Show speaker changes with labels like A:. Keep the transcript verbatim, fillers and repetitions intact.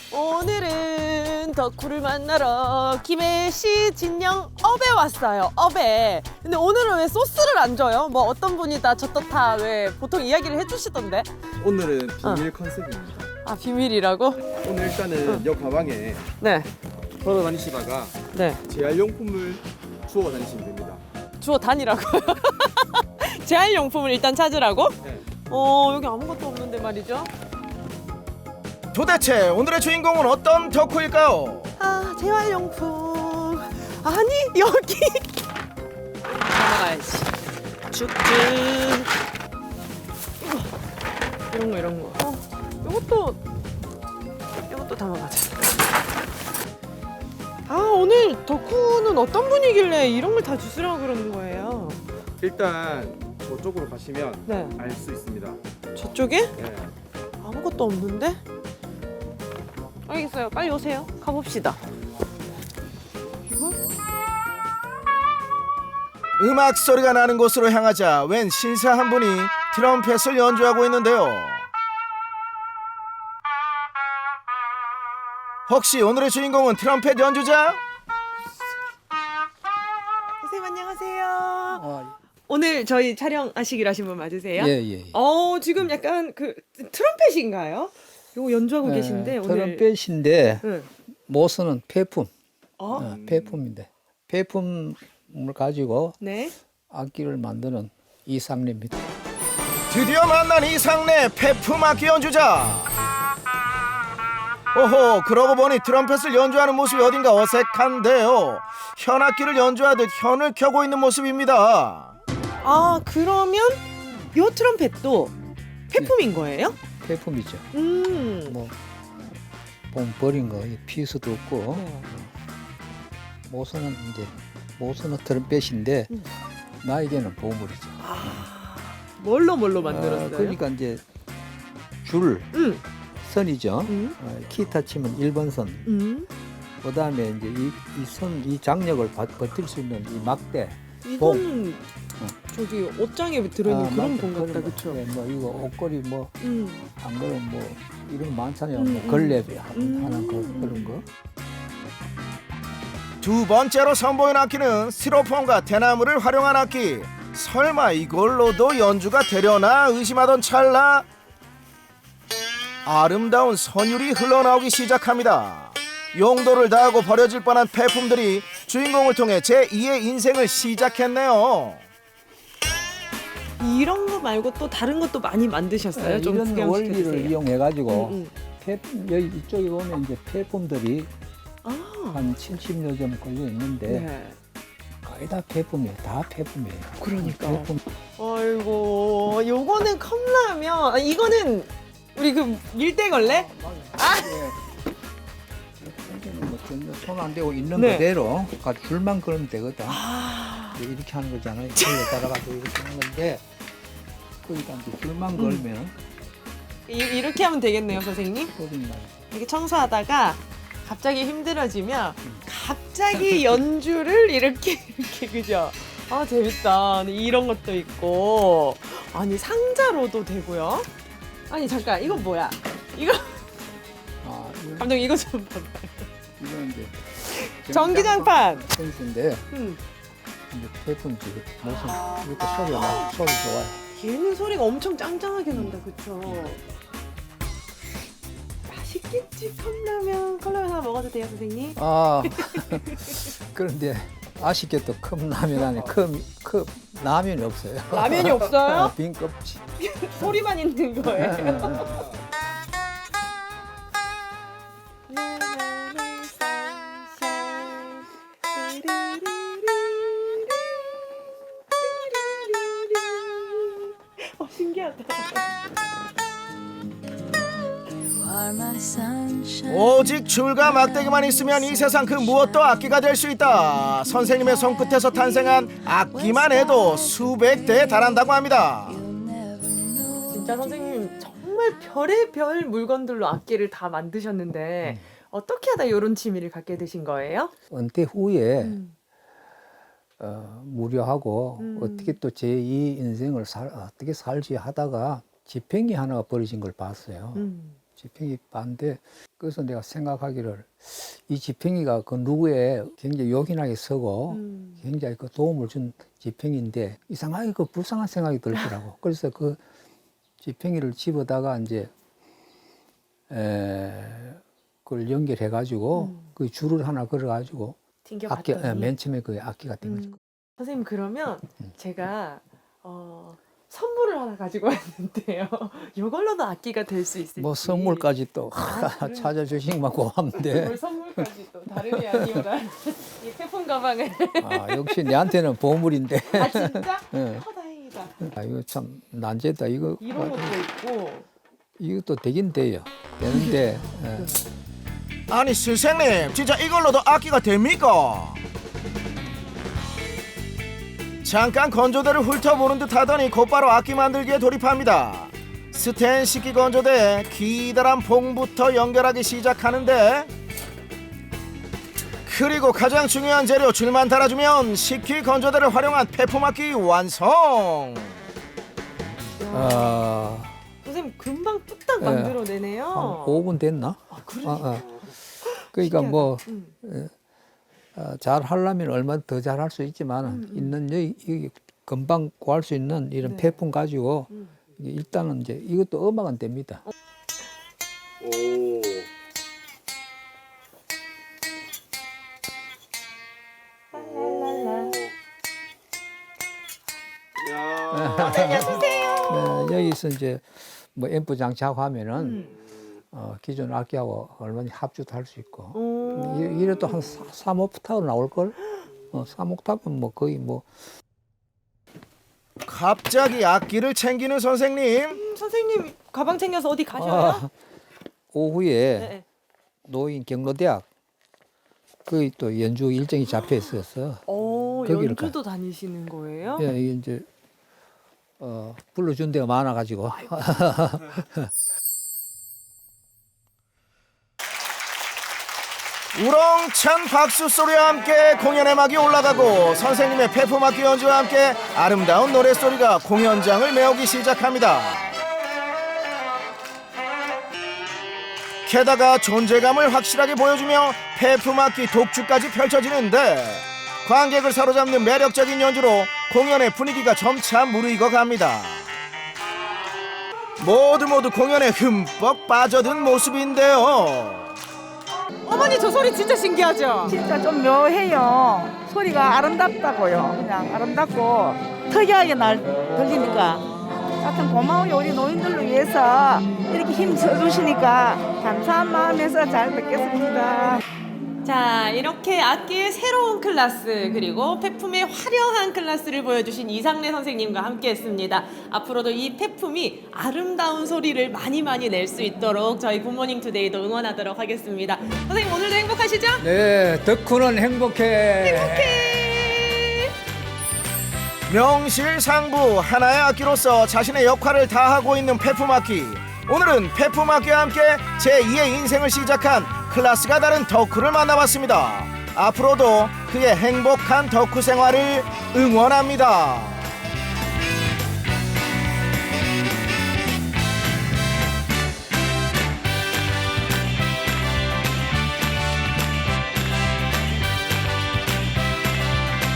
A: 오늘은 덕후를 만나러 김해시 진영 업에 왔어요. 업에. 근데 오늘은 왜 소스를 안 줘요? 뭐 어떤 분이 다 저떻다 왜 보통 이야기를 해주시던데.
B: 오늘은 비밀 컨셉입니다.
A: 아 비밀이라고?
B: 오늘 일단은 여 가방에
A: 네.
B: 걸어 다니시다가
A: 네.
B: 재활용품을 주워 다니시면 됩니다.
A: 주워 다니라고요? 재활용품을 일단 찾으라고?
B: 네.
A: 어 여기 아무것도 없는데 말이죠.
C: 도대체 오늘의 주인공은 어떤 덕후일까요?
A: 아 재활용품 아니 여기 담아가야지 쭉쭉 이거 이런 거 이런 거 어, 이것도 이것도 담아가자. 아 오늘 덕후는 어떤 분이길래 이런 걸 다 주스라고 그러는 거예요?
B: 일단 저쪽으로 가시면
A: 네
B: 알 수 있습니다.
A: 저쪽에
B: 네.
A: 아무것도 없는데? 알겠어요. 빨리 오세요. 가봅시다. 이거?
C: 음악 소리가 나는 곳으로 향하자 웬 신사 한 분이 트럼펫을 연주하고 있는데요. 혹시 오늘의 주인공은 트럼펫 연주자?
A: 선생님 안녕하세요.
D: 아,
A: 오늘 저희 촬영하시기로 하신 분 맞으세요?
D: 예, 예. 예.
A: 어 지금 약간 그 트럼펫인가요? 이거 연주하고
D: 예,
A: 계신데 오늘.
D: 트럼펫인데
A: 응.
D: 모스는 폐품,
A: 어?
D: 어, 폐품인데 폐품을 가지고
A: 네.
D: 악기를 만드는 이상래입니다.
C: 드디어 만난 이상래 페품 악기 연주자. 오호, 그러고 보니 트럼펫을 연주하는 모습이 어딘가 어색한데요. 현악기를 연주하듯 현을 켜고 있는 모습입니다.
A: 아 그러면 요 트럼펫도 폐품인 거예요?
D: 폐품이죠.
A: 음.
D: 뭐 본 버린 거 피스도 없고
A: 네.
D: 모스는 이제 모스는 트럼펫인데
A: 음.
D: 나에게는 보물이죠.
A: 아 뭘로 뭘로 만들었어요?
D: 어, 그러니까 이제 줄
A: 음.
D: 선이죠.
A: 음.
D: 어, 기타 치면 일 번 선.
A: 음.
D: 그다음에 이제 이 이 선 이 장력을 버, 버틸 수 있는 이 막대.
A: 이거는 저기 옷장에 들어있는
D: 아,
A: 그런
D: 맞아.
A: 공 같다
D: 그런 거.
A: 그쵸?
D: 네, 뭐 이거 옷걸이 뭐
A: 음.
D: 안 그러면 뭐 이런 거 많잖아요.
A: 음,
D: 뭐 걸레 하는
A: 음.
D: 하는 거 그런 거.
C: 두 번째로 선보인 악기는 스티로폼과 대나무를 활용한 악기. 설마 이걸로도 연주가 되려나 의심하던 찰나 아름다운 선율이 흘러나오기 시작합니다. 용도를 다하고 버려질 뻔한 폐품들이 주인공을 통해 제이의 인생을 시작했네요.
A: 이런 거 말고 또 다른 것도 많이 만드셨어요?
D: 네,
A: 좀
D: 이런
A: 구경
D: 원리를
A: 시켜주세요.
D: 이용해 가지고
A: 음, 음.
D: 폐품 여기 이쪽에 보면 이제 폐품들이
A: 아.
D: 한 칠십여 점 걸려 있는데
A: 네.
D: 거의 다 폐품이에요. 다 폐품이에요.
A: 그러니까.
D: 폐품.
A: 아이고, 요거는 컵라면. 아, 이거는 우리 그 밀대걸레?
D: 아, 손안 대고 있는
A: 네.
D: 그대로 가 줄만 걸으면 되거든.
A: 아.
D: 이제 이렇게 하는 거잖아요. 걸레 따라가서 이렇게 하는 건데 그러니까 이제 줄만
A: 음.
D: 걸면
A: 이, 이렇게 하면 되겠네요, 선생님.
D: 소리만.
A: 이렇게 청소하다가 갑자기 힘들어지면 갑자기 연주를 이렇게 이렇게 그죠? 아 재밌다. 이런 것도 있고 아니 상자로도 되고요. 아니 잠깐 이건 뭐야? 이거
D: 아, 이거,
A: 감독님 이거 좀 봐봐요.
D: 이건 이제
A: 전기장판.
D: 센스인데
A: 음.
D: 이제 폐품 지금 무슨 이렇게 소리가 나 소리 좋아요.
A: 얘는 소리가 엄청 짱짱하게 난다, 그쵸? 맛있겠지, 컵라면. 컵라면 하나 먹어도 돼요, 선생님?
D: 아 그런데 아쉽게도 컵라면 안에 컵, 컵 라면이 없어요.
A: 라면이 없어요?
D: 빈 껍질.
A: 소리만 있는 거예요. 어, 신기하다.
C: 오직 줄과 막대기만 있으면 이 세상 그 무엇도 악기가 될 수 있다. 선생님의 손끝에서 탄생한 악기만 해도 수백 대에 달한다고 합니다.
A: 진짜 선생님 정말 별의 별 물건들로 악기를 다 만드셨는데 어떻게 하다 이런 취미를 갖게 되신 거예요?
D: 은퇴 후에
A: 음.
D: 어, 무료하고
A: 음.
D: 어떻게 또 제이 인생을 살, 어떻게 살지 하다가 지팽이 하나가 버려진 걸 봤어요.
A: 음.
D: 지팽이 반대. 그래서 내가 생각하기를 이 지팽이가 그 누구의 굉장히 요긴하게 서고
A: 음.
D: 굉장히 그 도움을 준 지팽이인데 이상하게 그 불쌍한 생각이 들더라고. 그래서 그 지팽이를 집어다가 이제 에, 그걸 연결해 가지고
A: 음.
D: 그 줄을 하나 걸어 가지고 악기,
A: 튕겨봤더니
D: 예, 맨 처음에 그 악기가 된 거죠.
A: 음. 선생님 그러면
D: 음.
A: 제가 어, 선물을 하나 가지고 왔는데요. 이걸로도 악기가 될 수 있을지.
D: 뭐 선물까지 또
A: 아, 그래?
D: 찾아주시면 고맙는데.
A: 뭘 선물까지 또 다름이 아니오라 이 태풍 가방을.
D: 아, 역시 내한테는 보물인데.
A: 아 진짜?
D: 예.
A: 어 다행이다.
D: 아, 이거 참 난제다. 이거
A: 이런 것도 있고.
D: 이것도 되긴 돼요. 되는데 예.
C: 아니 선생님 진짜 이걸로도 악기가 됩니까? 잠깐 건조대를 훑어보는 듯 하더니 곧바로 악기 만들기에 돌입합니다. 스텐 식기 건조대에 기다란 봉부터 연결하기 시작하는데 그리고 가장 중요한 재료 줄만 달아주면 식기 건조대를 활용한 폐품악기 완성.
D: 아,
A: 선생님 금방 뚝딱
D: 예.
A: 만들어내네요.
D: 한 오 분 됐나?
A: 아 그래?
D: 아, 아. 그러니까
A: 신기하다.
D: 뭐
A: 음.
D: 어, 잘 하려면 얼마 더 잘 할 수 있지만
A: 음, 음.
D: 있는 여기, 여기 금방 구할 수 있는 이런
A: 네.
D: 폐품 가지고
A: 음.
D: 이게 일단은 이제 이것도 음악은 됩니다.
B: 오.
A: 랄랄라.
B: 야.
D: 네, 여기서 이제 뭐 앰프 장착하고 하면은
A: 음.
D: 어, 기존 악기하고 얼마나 합주도 할 수 있고
A: 오.
D: 이- 이래도 한 삼 옥타브 나올 걸. 어, 삼 옥타브는 뭐 거의 뭐
C: 갑자기 악기를 챙기는 선생님.
A: 음, 선생님 가방 챙겨서 어디 가셔요?
D: 아, 오후에
A: 네.
D: 노인 경로대학 거기 또 연주 일정이 잡혀 있어서
A: 어
D: 거기를
A: 연주도 다니시는 거예요?
D: 예, 이게 이제 어, 불러준 데가 많아가지고
C: 우렁찬 박수 소리와 함께 공연의 막이 올라가고 선생님의 폐품악기 연주와 함께 아름다운 노랫소리가 공연장을 메우기 시작합니다. 게다가 존재감을 확실하게 보여주며 폐품악기 독주까지 펼쳐지는데 관객을 사로잡는 매력적인 연주로 공연의 분위기가 점차 무르익어 갑니다. 모두 모두 공연에 흠뻑 빠져든 모습인데요.
A: 어머니 저 소리 진짜 신기하죠?
E: 진짜 좀 묘해요. 소리가 아름답다고요. 그냥 아름답고 특이하게 날 들리니까 하여튼 고마워요. 우리 노인들을 위해서 이렇게 힘 써주시니까 감사한 마음에서 잘 듣겠습니다.
A: 자 이렇게 악기의 새로운 클래스 그리고 폐품의 화려한 클래스를 보여주신 이상래 선생님과 함께했습니다. 앞으로도 이 폐품이 아름다운 소리를 많이 많이 낼 수 있도록 저희 굿모닝 투데이도 응원하도록 하겠습니다. 선생님 오늘도 행복하시죠?
D: 네, 덕후는 행복해.
A: 행복해.
C: 명실상부 하나의 악기로서 자신의 역할을 다하고 있는 폐품악기. 오늘은 폐품악기와 함께 제이의 인생을 시작한 클래스가 다른 덕후를 만나봤습니다. 앞으로도 그의 행복한 덕후 생활을 응원합니다.